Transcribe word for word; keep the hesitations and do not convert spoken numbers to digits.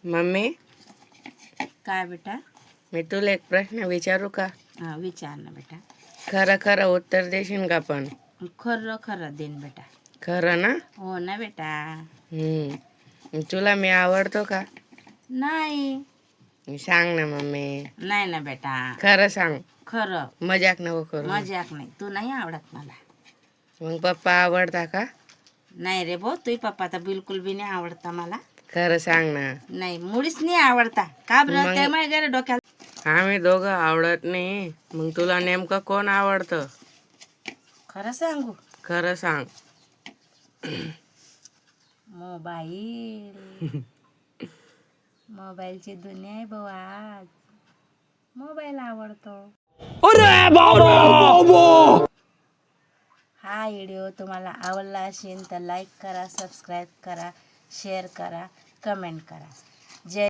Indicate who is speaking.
Speaker 1: Mummy,
Speaker 2: काय बेटा?
Speaker 1: मी तुला एक प्रश्न विचारू का?
Speaker 2: हा विचार ना बेटा.
Speaker 1: खरं खरं उत्तर देशील का? पण
Speaker 2: खरं खरं देन बेटा.
Speaker 1: खरं ना?
Speaker 2: हो ना बेटा.
Speaker 1: हम्म. तुला मी आवडतो का?
Speaker 2: नाही.
Speaker 1: सांग ना मम्मी.
Speaker 2: नाही ना बेटा.
Speaker 1: खरं सांग,
Speaker 2: खरं.
Speaker 1: मजाक नको करू.
Speaker 2: मजाक नाही. तू नाही आवडत मला.
Speaker 1: मग पप्पा आवडता का?
Speaker 2: नाही रे भाऊ, तुझे पप्पा तर बिलकुल बी नाही आवडता मला.
Speaker 1: खरं सांग ना.
Speaker 2: नाही, मुळीच नाही आवडता. का बरं?
Speaker 1: मग-
Speaker 2: त्या माझ्या गेलं डोक्याला.
Speaker 1: आम्ही दोघं आवडत नाही, मग तुला नेमकं कोण आवडतं?
Speaker 2: खरं सांगू?
Speaker 1: खरं सांग.
Speaker 2: मोबाईल. मोबाईलची दुनिया आहे भाऊ आज. मोबाईल आवडतो. हा व्हिडिओ तुम्हाला आवडला असेल तर लाईक करा, सबस्क्राईब करा, शेअर करा, कमेंट करा. जय